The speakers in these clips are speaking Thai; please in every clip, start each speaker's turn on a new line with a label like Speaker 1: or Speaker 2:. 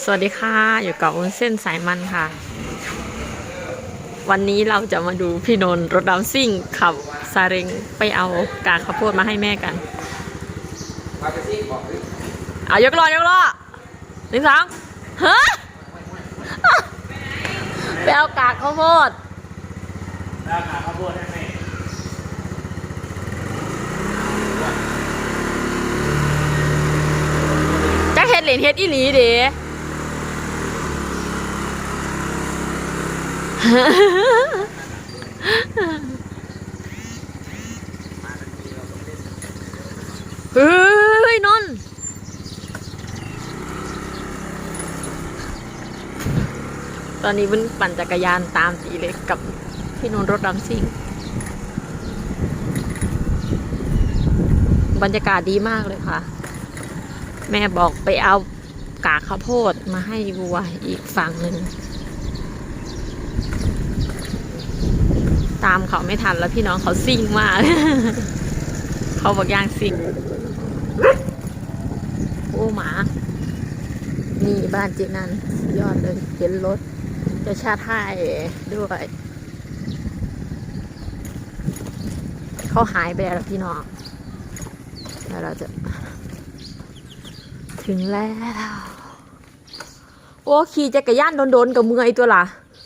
Speaker 1: สวัสดีค่ะอยู่กับวุ้นเส้นสายมันค่ะ วันนี้เราจะมาดูพี่นนท์รถดำซิ่งขับซาเร็งไปเอากากข้าวโพดมาให้แม่กันเอายกล้อหนึ่งสองฮะไปเอากากข้าวโพด
Speaker 2: แล้วกากข้าวโพดให้แม่
Speaker 1: จะเฮ็ดเหรียญเฮ็ดอีหลีเด้เฮ้ยนนท์ตอนนี้วุ้นปั่นจักรยานตามตีเลยกับพี่นนท์รถดำซิ่งบรรยากาศดีมากเลยค่ะแม่บอกไปเอากากข้าวโพดมาให้วัวอีกฝั่งหนึ่งตามเขาไม่ทันแล้วพี่น้องเขาซิ่งมาก เขาบอกย่างซิ่งโอ้หมานี่บ้านเจนันยอดเลยเห็นรถจะชาติให้ด้วยเขาหายไปแล้วพี่น้องแล้วเราจะถึงแล้วโอ้ขี่จักรยานโดนๆกับมือไอตัวล่ะ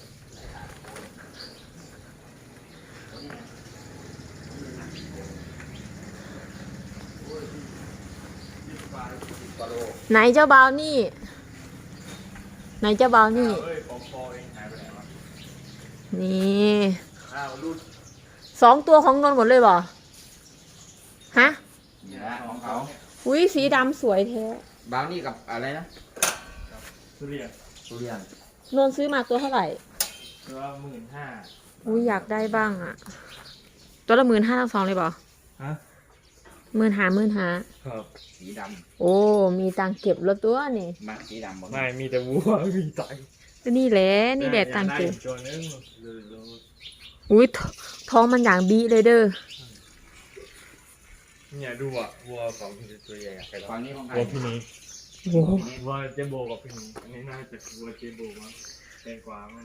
Speaker 1: ไหนเจ้าบ่าวนี่ไหนเจ้าบ่าวนี่นี่2 ตัวของนนท์หมดเลยบ่ฮะ
Speaker 2: ของเขา
Speaker 1: อุ้ยสีดำสวยแท้
Speaker 2: บราวนี่กับอะไรนะทุเรียน
Speaker 1: นนท์ซื้อมาตัวเท่าไหร่
Speaker 2: ตัว15,000
Speaker 1: อุ้ยอยากได้บ้างอ่ะตัวละ15,000ทั้งสองเลยบ่
Speaker 2: ฮะ
Speaker 1: 15,000
Speaker 2: ครับสีด
Speaker 1: โอ้มีตังเก็บแล้วตัวนี่
Speaker 2: ำมาสีดำไม่มีแต่วัวมีไต
Speaker 1: นี่แหละตังเก็บ
Speaker 2: ตัวนึง
Speaker 1: อุ้ยท้องมันอย่างบีเลยเด้อ
Speaker 2: เนี่ยดูอ่ะวัวของพี่ตัวใหญ่ไปแล้ววัวพี่นี้วัวเจโบกับพี่นี้อันนี้น่าจะวัวเจโบมั้งแตงกวามั้ง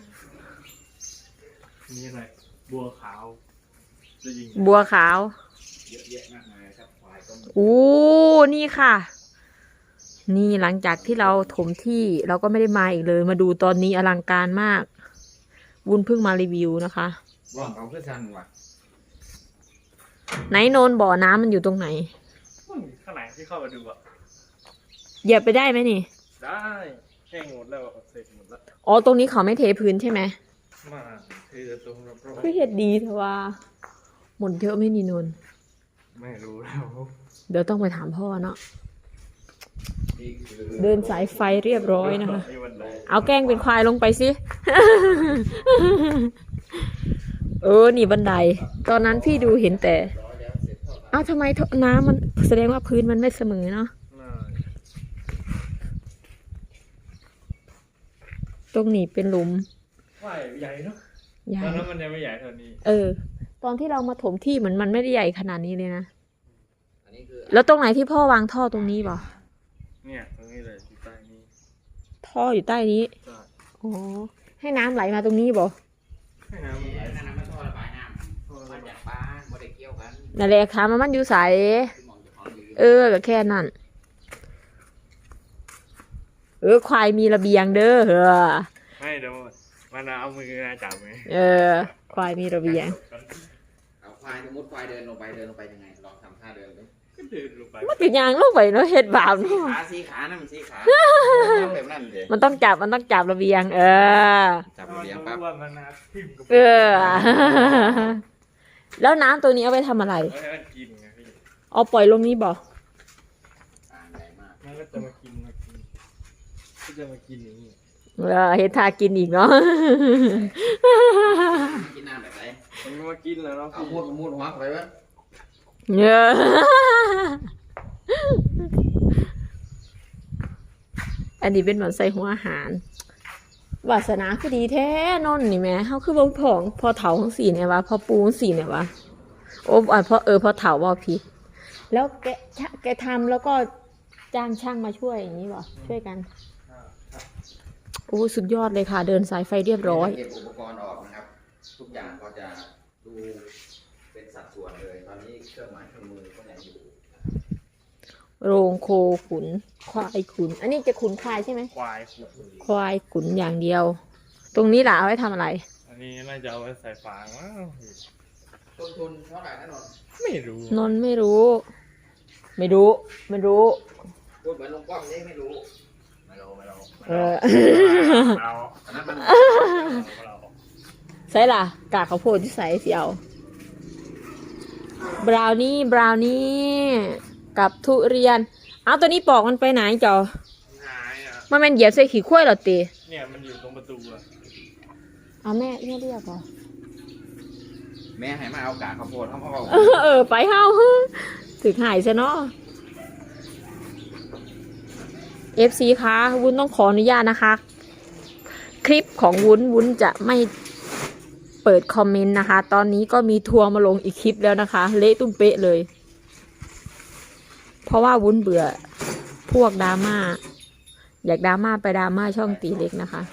Speaker 2: นี่อะไรบัวขาว
Speaker 1: บัวขาว
Speaker 2: เยอะแยะมากมายครับควายก็
Speaker 1: โอ้นี่ค่ะนี่หลังจากที่เราถมที่เราก็ไม่ได้มาอีกเลยมาดูตอนนี้อลังการมากวุ้นเพิ่งมารีวิวนะคะ
Speaker 2: ว่างเขาเพื่อชันว่ะ
Speaker 1: ไหนโนนบ่อน้ำมันอยู่ตรงไหน
Speaker 2: ข้างไหนที่เข้ามาดูอ่ะ
Speaker 1: เหยียบไปได้ไหมนี่
Speaker 2: ได้แห้งหมดแล้วเสร็จหมดแล้ว
Speaker 1: อ๋อตรงนี้เขาไม่เทพื้นใช่ไหม
Speaker 2: มาเทตรงรอบๆ
Speaker 1: คือเห็ดดีเถอะว่าหมดเยอะไหมนี่นน
Speaker 2: ไม่รู้แล้ว
Speaker 1: เดี๋ยวต้องไปถามพ่อเนาะเดินสายไฟเรียบร้อยนะคะเอาแกล้งเป็นควายลงไปสิ นี่บันไดตอนนั้นพี่ดูเห็นแต่อ้าวทำไมน้ำมันแสดงว่าพื้นมันไม่เสมอเนาะตรงนี้เป็นหลุม
Speaker 2: ว่าใหญ่เนาะตอนนั้นมันยังไม่ใหญ่เท่านี้
Speaker 1: ตอนที่เรามาถมที่มันไม่ได้ใหญ่ขนาดนี้เลยนะแล้วตรงไหนที่พ่อวางท่อตรงนี้บ่
Speaker 2: เนี่ยตรงนี้เลยอยู่ใต้นี้
Speaker 1: ท่ออยู่ใต้นี้อ๋อให้น้ำไหลมาตรงนี้บ่
Speaker 2: ให้น้ำไหลน้ำมันท่อระบายน้ำมาจากบ้านไม่ได้เกี่ยวกัน
Speaker 1: นั่นแหละค่ะมันอยู่ใสก็แค่นั้นควายมีระเบียงเด้อ
Speaker 2: ให้เดี๋ยวมันเอามือจับไหม
Speaker 1: ควายมีระเบียง
Speaker 2: เอาควายสมมติควายเดินลงไปยังไงลองทำท่าเดินเลยก็เดินลงไป
Speaker 1: มันเป็นยางลงไปเนาะเห็ดบาปเนาะ
Speaker 2: สีขานั่นมันสีขาแบบนั้นเลย
Speaker 1: มันต้องจับระเบียง
Speaker 2: จับระเบียงปั๊บ
Speaker 1: แล้วน้ำตัวนี้เอาไปทำอะไรเอาปล่อยลงนี้บ่
Speaker 2: มันก็จะมากินก็จะมากินอย่างนี้
Speaker 1: เฮ็ดทากินอีกเนาะ
Speaker 2: กินน้ำแบบไหนมันมากินแล้วเนาะเอามูดหัวไปวะ
Speaker 1: อันนี้เป็นเหมือนใส่หัวอาหารวาสนาคือดีแท้นนนี่แม่เขาคือบ่ผองพอเถาของสีเนี่ยวะพอปูของสีเนี่ยวะโอ้พอเถาว่าผิดแล้วแกทำแล้วก็จ้างช่างมาช่วยอย่างนี้บ่ช่วยกันอ้สุดยอดเลยค่ะ เดินสายไฟเรียบร้อย
Speaker 3: เก็บอุปกรณ์ออกนะครับ ทุกอย่างก็จะดูเป็นสัดส่วนเลย ตอนนี้เครื่องไม้เครื่องมือก็ยังอยู่
Speaker 1: โรงโคขุนควายขุน อันนี้จะขุนควายใช่ไหม
Speaker 2: ควายขุด
Speaker 1: ควายขุนอย่างเดียว ตรงนี้ล่ะเอาไว้ทำอะไร
Speaker 2: อันนี้น่าจะเอาไว้ใส่ฟางมั้ง
Speaker 3: ต้นทุนเท่าไหร่นะนนท์
Speaker 2: ไม่รู้
Speaker 1: นนท์ไม่รู้ ไม่รู้ ไม่รู้
Speaker 3: พูดเหมือนลุงป้อมนี่ไม่รู้
Speaker 2: ไม่รู้
Speaker 1: เออ
Speaker 2: เรา
Speaker 3: อันนั้นมัน
Speaker 2: เรา
Speaker 1: ใช่ล่ะ กากข้าวโพดที่ใส่เสียวบราวนี่กับทุเรียน เอาตัวนี้ปอกมันไปไหนจอ
Speaker 2: หายอ่ะ
Speaker 1: มันเป็นเหยียบใส่ขี้ข้วยเหรอตี
Speaker 2: เนี่ยมันอยู่ตรงประตูอ่ะ
Speaker 1: เอาแม่เรียกเหรอ
Speaker 3: แม่ให้มาเอากากข้าวโพดเขาบอก
Speaker 1: ไปเฮาถึงหายซะเนาะ FC คะวุ้นต้องขออนุญาตนะคะ คลิปของวุ้นจะไม่เปิดคอมเมนต์นะคะ ตอนนี้ก็มีทัวร์มาลงอีกคลิปแล้วนะคะ เละตุ้มเป๊ะเลย เพราะว่าวุ้นเบื่อพวกดราม่าอยากดราม่าไปดราม่าช่องตีเล็กนะคะ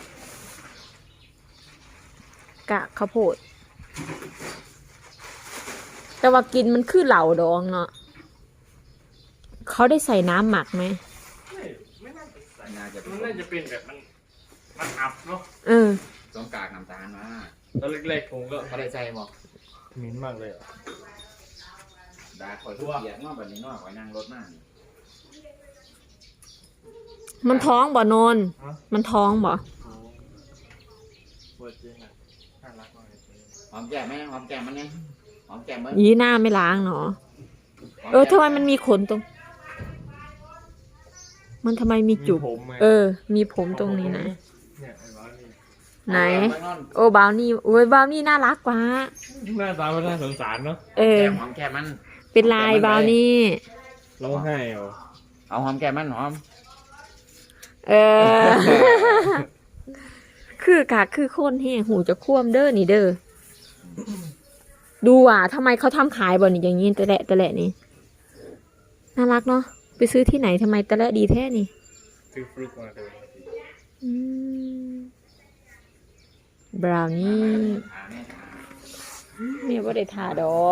Speaker 1: กะข้าวโพด แต่ว่ากินมันคือเหล่าดองเนาะเขาได้ใส่น้ำหมักไหม
Speaker 2: ไม่น่าจะใส่
Speaker 3: น่าจะเป็
Speaker 2: มัน นน่าจะเป็นแบบมันอับเนาะ
Speaker 1: เออ
Speaker 3: ต้องกากน้ำตาลมา
Speaker 2: ตอนเล็กๆผมก็
Speaker 3: เขาได้ใจบอก
Speaker 2: เหม็นมากเลยอ่ะ
Speaker 3: ดาคอยทุกเกียร์นอกแบบนี้นอกคอยนั่งรถมาก
Speaker 1: มันท้องบ่นน
Speaker 2: ฮะ
Speaker 1: มันท้องบ่
Speaker 2: โอ้ปวดจริงอ่ะน่ารักมากเลย
Speaker 3: หอมแก้มไหมหอมแก้มมันเนี่ยหอมแก้มมัน
Speaker 1: ยีหน้าไม่ล้างเนาะทำไมมันมีขนตรง มันทำไมมีจุก
Speaker 2: ผมไง
Speaker 1: มีผมตรงนี้นะ
Speaker 2: เนี่ยไอ้บ้านี่
Speaker 1: ไหน โอ้บาวนี่โอ้ยบาวนี่น่ารักกว่า
Speaker 2: หน้าตามันน่าสงสารเนาะ
Speaker 3: หอมแก้มมัน
Speaker 1: เป็นลายบาวนี่
Speaker 2: ร้องไห้เหรอ
Speaker 3: เอาหอมแก้มมันหอม
Speaker 1: เออ คือกะคือคนแห่หูจะคว่ำเด้อนี่เด้อ ดูอ่ะทำไมเขาทำขายบ่นี่อย่างนี้แต่แหละนี่ น่ารักเนาะ ไปซื้อที่ไหนทำไมแต่ละดีแท้นี่
Speaker 2: ซื้อฟลุกมาเลย
Speaker 1: อืมบราวนี่
Speaker 3: แม่ทา
Speaker 1: แม่ว่าได้ทาดอก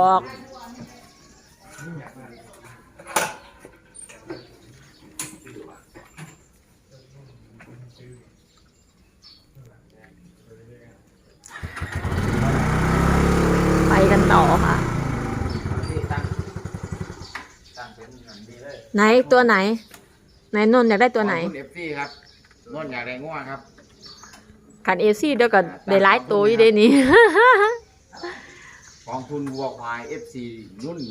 Speaker 1: ไปกันต่อค่ะ
Speaker 3: ที่ตั้งเป็นอย่างดีเลย
Speaker 1: ไหนตัวไหน ไหนนนท์อยากได้ตัวไหน
Speaker 3: คุณเอฟซีครับนวลอยากได้ง่วงครับ
Speaker 1: กันเอซี่เดียวกันได้หลายตัวอยู่เด้นี่
Speaker 3: กองทุนวัวควาย FC นุ่น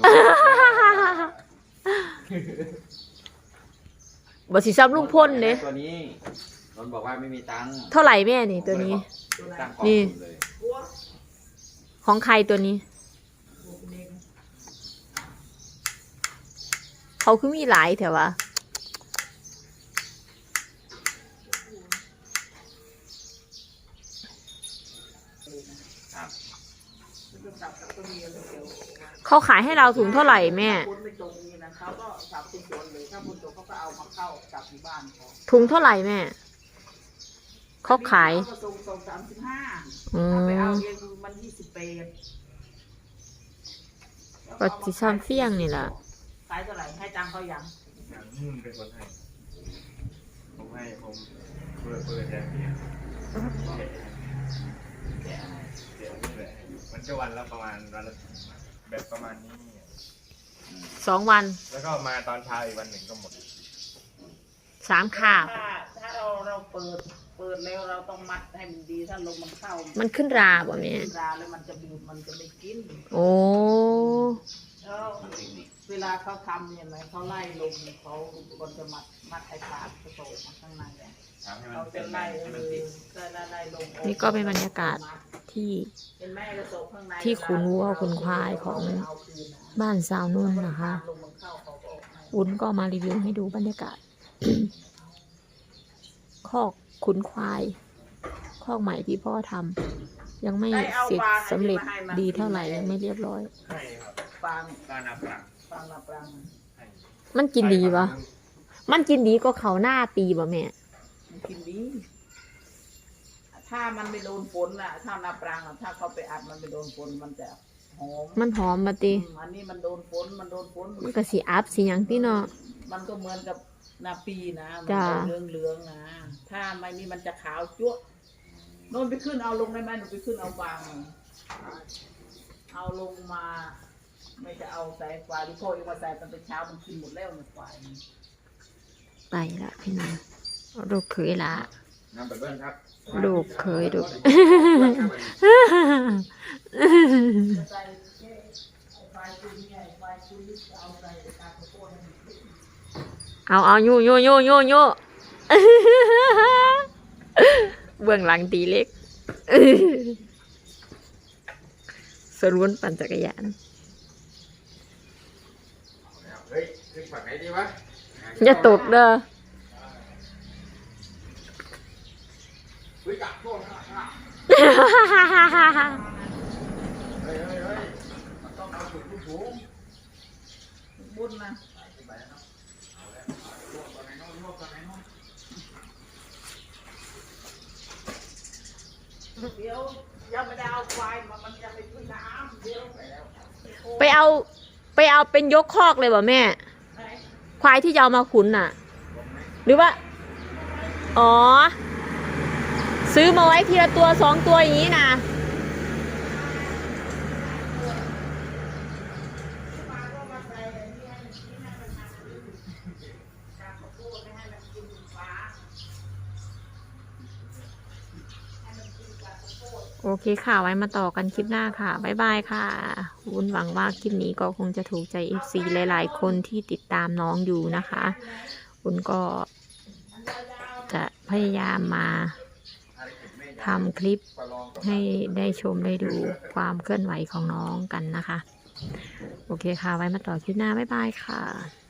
Speaker 1: บ่สิซ้ำลุงพ่นเด้
Speaker 3: ตัวนี้นนบอกว่าไม่มีตังค์
Speaker 1: เท่าไหร่แม่นี่ตัวนี้
Speaker 3: ตั้งกอง
Speaker 1: นี่
Speaker 3: ทุนเลย
Speaker 1: ของใครตัวนี้ เขาคือมีหลายแถววะ
Speaker 3: ครับ
Speaker 1: เขาขายให้เราถุงเท่าไหร่แม่
Speaker 4: คนไม่ตรงนี่นะเขาก็สับเป็นส่วนเลยถ้าคนตรงเขาก็เอามาเข้าจับที่บ้านเขา
Speaker 1: ถุงเท่าไหร่แม่ เขาขาย
Speaker 4: เขก็ส่ง35
Speaker 1: อื
Speaker 4: ถ้าไปเอา
Speaker 1: ม
Speaker 4: เองมัน28
Speaker 1: ก็สิซ้ำเฟี้ยงนี่ล่ะ
Speaker 4: ขายเท่าไหร่ให้ตังค์เขายัง
Speaker 2: อย่างนุ่นเป็นคนให้ผมให้ผมเปิดแทนเพียง
Speaker 3: แกะอะไร
Speaker 2: เดี๋ยวนี่แหละมันจะวันละประมาณวันละแบบประมาณนี้
Speaker 1: 2 วัน
Speaker 2: แล้วก็มาตอนเช้าอีกวันหนึ่งก็หมด
Speaker 1: 3 คาบ
Speaker 4: ถ้าเราเปิดแล้วเราต้องมัดให้มันดีถ้าลมมันเข้า
Speaker 1: มันขึ้นราบ่แม่
Speaker 4: ราแล้วมันจะบูดมันจะไม่กิน
Speaker 1: โอ้
Speaker 4: แล้วเวลาเขาทำเนี่ยนะเขาไล่ลมเขาคนจะมัดไอ้ปากกระโตกมาข้างในเนี่ย
Speaker 3: ทำให้มัน
Speaker 4: เขา
Speaker 3: เป็
Speaker 4: จะ
Speaker 3: น
Speaker 4: ไล่
Speaker 3: ให้มันติด
Speaker 4: ไล่ลงออ
Speaker 1: นี่ก็เป็นบรรยากาศที่
Speaker 4: เป็นแม่กระโตกข้างใน
Speaker 1: ที่ขุนวัวขุนควายของบ้านสาวนุ่นนะคะ
Speaker 4: ลมมันเข้าเขาก็ออกให้
Speaker 1: วุ้นก็มารีวิวให้ดูบรรยากาศ คอกขุนควาย คอกใหม่ที่พ่อทำยังไม่เสร็จสำเร็จดีเท่าไหร่ยังไม่เรียบร้อย
Speaker 2: ให้ครับ
Speaker 4: ฟาง
Speaker 2: การนับหลัก
Speaker 4: ฟางนับรัง
Speaker 2: ให้
Speaker 1: มันกินดีปะมันกินดีก็เขาหน้าปีบ่แม่
Speaker 4: มันกินดีถ้ามันไม่โดนฝนน่ะ ถ้านาปรางถ้าเขาไปอัดมันไม่โดนฝนมันจะหอม
Speaker 1: มันหอมมาติ
Speaker 4: อันนี้มันโดนฝนมัน
Speaker 1: มันก็สิอัพสิหยังติเนาะ
Speaker 4: มันก็เหมือนกับนาปีนะมัน
Speaker 1: จ้า
Speaker 4: เหลืองๆนะถ้าไม่นี่มันจะขาวจั๊วะโน่นไปขึ้นเอาลงได้ไหมหนูไปขึ้นเอาวางเอาลงมา ไม่จะเอาใส่ควายหรือพ่อเองมาใส่ตอนเช้ามันกินหมดแล้วมันควาย
Speaker 1: ไปละพี่น้องลูกเคยละ
Speaker 3: นำไปเบิ้ลครับ
Speaker 1: ลูกเคยลูก
Speaker 4: จะใส่แค่ไอ้ควายตัวนี้ไอ้ควายตัวนี้จะเอาใส่ตาข้าวโพดให้มันขึ้น
Speaker 1: เอาโยเบื้องหลังตีเล็ก สรุนปั่นจักรยาน
Speaker 3: เฮ้ยขึ้นฝั่งไหนดีวะ
Speaker 1: อย่าตกเด้อ
Speaker 3: เฮ้ยจับโทษนะเฮ้ยมันต้องเอาสุดสูง
Speaker 4: บุญนะ
Speaker 3: ไปแล้วเนาะเอาแล้วลวกก่อนไหนน้องลวกก่อนไหนน้อง
Speaker 4: เดี๋ยวยังไม่ได้เอาควายมามันจะไปขึ้นน้ำเดี๋ยวไปแล้ว
Speaker 1: ไปเอาเป็นยกคอกเลยบ่แม่
Speaker 4: ไหน
Speaker 1: ควายที่จะเอามาขุนน่ะ หรือว่า อ๋อ ซื้อมาไว้ทีละตัว2 ตัวอย่างนี้นะ
Speaker 4: มาก็มาใส่อันนี้ให้มันกินให้มันทานตาข้าวโพดไม่ให้มันกินฟ้าให้มันกินตาข้าวโพด
Speaker 1: โอเคค่ะ ไว้มาต่อกันคลิปหน้าค่ะ บ๊ายบายค่ะ วุ้นหวังว่าคลิปนี้ก็คงจะถูกใจ FC หลายๆ คนที่ติดตามน้องอยู่นะคะวุ้นก็จะพยายามมาทำคลิปให้ได้ชมได้ดูความเคลื่อนไหวของน้องกันนะคะ โอเคค่ะ ไว้มาต่อคลิปหน้า บ๊ายบายค่ะ